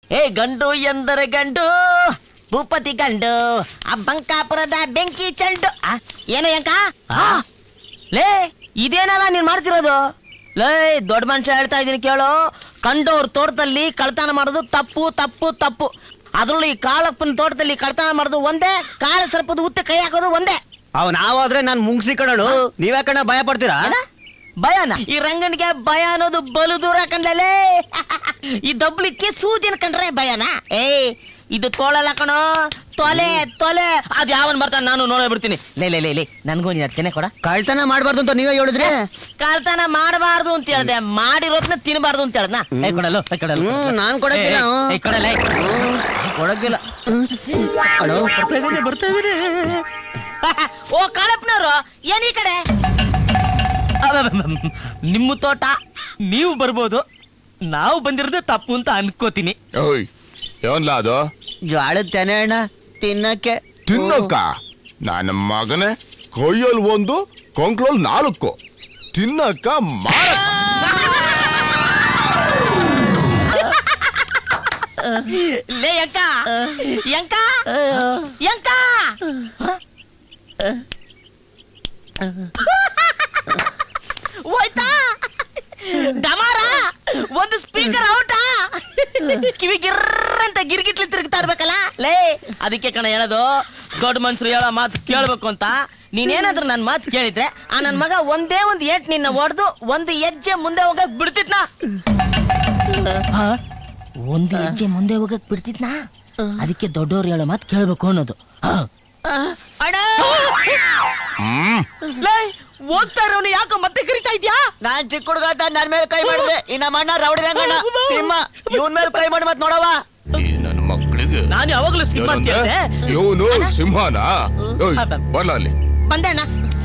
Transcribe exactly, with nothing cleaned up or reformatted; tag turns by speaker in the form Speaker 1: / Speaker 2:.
Speaker 1: ಏ ಗಂಡು ಎಂದರೆ ಗಂಡು ಭೂಪತಿ ಗಂಡು ಆ ಬಂಕಾಪುರದ ಬೆಂಕಿ ಚಂಡು ಏನೋ ಯಂಕ ಲೇ ಇದೇನಲ್ಲ ನೀನ್ ಮಾಡ್ತಿರೋದು. ಲೇ ದೊಡ್ಡ ಮನುಷ್ಯ ಹೇಳ್ತಾ ಇದೀನಿ ಕೇಳು, ಕಂಡೋರ್ ತೋಟದಲ್ಲಿ ಕಳ್ತನ ಮಾಡೋದು ತಪ್ಪು ತಪ್ಪು ತಪ್ಪು. ಅದ್ರಲ್ಲೂ ಈ ಕಾಳಪ್ಪನ ತೋಟದಲ್ಲಿ ಕಳ್ತನ ಮಾಡೋದು ಒಂದೇ, ಕಾಳ ಸರ್ಪದ ಉತ್ತೆ ಕೈ ಹಾಕೋದು ಒಂದೇ.
Speaker 2: ಅವ್ ನಾವಾದ್ರೆ ನಾನ್ ಮುಂಗ್ಸಿ ಕಣಳು, ನೀವೇ ಕಣ ಭಯ ಪಡ್ತೀರಾ?
Speaker 1: ಭಯನ? ಈ ರಂಗನಿಗೆ ಭಯ ಅನ್ನೋದು ಬಲು ದೂರ ಕಂಡ್ಲೇ. ಈ ದಬ್ಲಿಕ್ಕೆ ಸೂಜಿನ ಕಂಡ್ರೆ ಭಯನ? ಏ ಇದು ತೋಳಲ್ಲ ಕಣೋ, ತೊಲೆ ತೊಲೆ. ಅದ್ ಯಾವನ್ ಬರ್ತಾನ ನಾನು ನೋಡೇ ಬಿಡ್ತೀನಿ. ಲೇ ಲೇ ಲೇ ಲೇ ನನ್ಗೂ ನೀನ್ ತೆನೆ ಕೊಡ.
Speaker 2: ಕಳ್ತನ ಮಾಡ್ಬಾರ್ದು ಅಂತ ನೀವೇ ಹೇಳಿದ್ರೆ.
Speaker 1: ಕಳ್ತನ ಮಾಡಬಾರ್ದು ಅಂತ ಹೇಳ್ದೆ, ಮಾಡಿರೋದ್ನ ತಿನ್ಬಾರ್ದು ಅಂತ ಹೇಳ್ದ. ಏ ಕೊಡಲು ಕೊಡಲು
Speaker 2: ನಾನ್ ಕೊಡಕ್ಕಿಲ್ಲ.
Speaker 1: ಕೊಡಲ್ಲ
Speaker 2: ಕೊಡಕ್ಕಿಲ್ಲ.
Speaker 1: ಬರ್ತಾ ಇದೀನಿ. ಓ ಕಾಳಪ್ಪನವ್ರು ಏನ್ ಈ ಕಡೆ? ನಿಮ್ಮ ತೋಟ ನೀವು ಬರ್ಬೋದು, ನಾವು ಬಂದಿರೋದು ತಪ್ಪು ಅಂತ ಅನ್ಕೋತೀನಿ.
Speaker 3: ಏನ್ಲ ಅದು?
Speaker 2: ಜ್ವಾಳದ ತೆನೆ ಅಣ್ಣ, ತಿನ್ನಕ್ಕೆ.
Speaker 3: ತಿನ್ನಕ್ಕ? ನನ್ನ ಮಗನೇ, ಕೊಯ್ಯಲ್ ಒಂದು ಕೊಂಕ್ಳಲ್ ನಾಲ್ಕು, ತಿನ್ನಕ್ಕ ಮಾರ.
Speaker 1: ಲೇ ಯಂಕ ಯಂಕ ಯಂಕ ಹೋಯ್ತಾ ಡಮಾರ? ಒಂದು ಸ್ಪೀಕರ್ ಔಟಾ? ಕಿವಿ ಗಿರ್ರಂತ ಗಿರ್ಗಿಟ್ಲಿ ತಿರುಗ್ತಾ ಇರ್ಬೇಕಲ್ಲ ಲೇ. ಅದಕ್ಕೆ ಕಣ ಹೇಳೋದು, ದೊಡ್ಡ ಮನ್ಸರು ಹೇಳೋ ಮಾತು ಕೇಳ್ಬೇಕು ಅಂತ. ನೀನೇನಾದ್ರೂ ನನ್ ಮಾತು ಕೇಳಿದ್ರೆ ಆ ನನ್ ಮಗ ಒಂದೇ ಒಂದ್ ಏಟ್ ನಿನ್ನ ಹೊಡೆದು ಒಂದು ಹೆಜ್ಜೆ ಮುಂದೆ ಹೋಗಕ್ ಬಿಡ್ತಿದ್ನಾ? ಒಂದು ಹೆಜ್ಜೆ ಮುಂದೆ ಹೋಗಕ್ ಬಿಡ್ತಿದ್ನಾ? ಅದಕ್ಕೆ ದೊಡ್ಡವ್ರು ಹೇಳೋ ಮಾತು ಕೇಳ್ಬೇಕು ಅನ್ನೋದು. ಹೋಗ್ತಾ ಇರೋನು ಯಾಕೋ ಮತ್ತೆ ಕರಿತಾ ಇದ್ಯಾ?
Speaker 2: ನಾನ್ ಚಿಕ್ಕ ಹುಡುಗ ಅಂತ ನನ್ ಮೇಲೆ ಕೈ ಮಾಡಿದ್ರೆ ಇನ್ನ ಮಣ್ಣ ರೌಡಿ ರಂಗಣ್ಣ ಸಿಂಹ ಇವನ್ ಮೇಲೆ ಕೈ ಮಾಡಿ ಮತ್ ನೋಡವ.
Speaker 3: ನನ್ನ ಮಕ್ಕಳಿಗೆ
Speaker 1: ನಾನು ಯಾವಾಗ್ಲೂ ಸಿಂಹ ಅಂತ ಹೇಳ್ದೆ.
Speaker 3: ಇವನು ಸಿಂಹನಾ? ಬರ್ಲ ಅಲ್ಲಿ
Speaker 1: ಬಂದಣ್ಣ.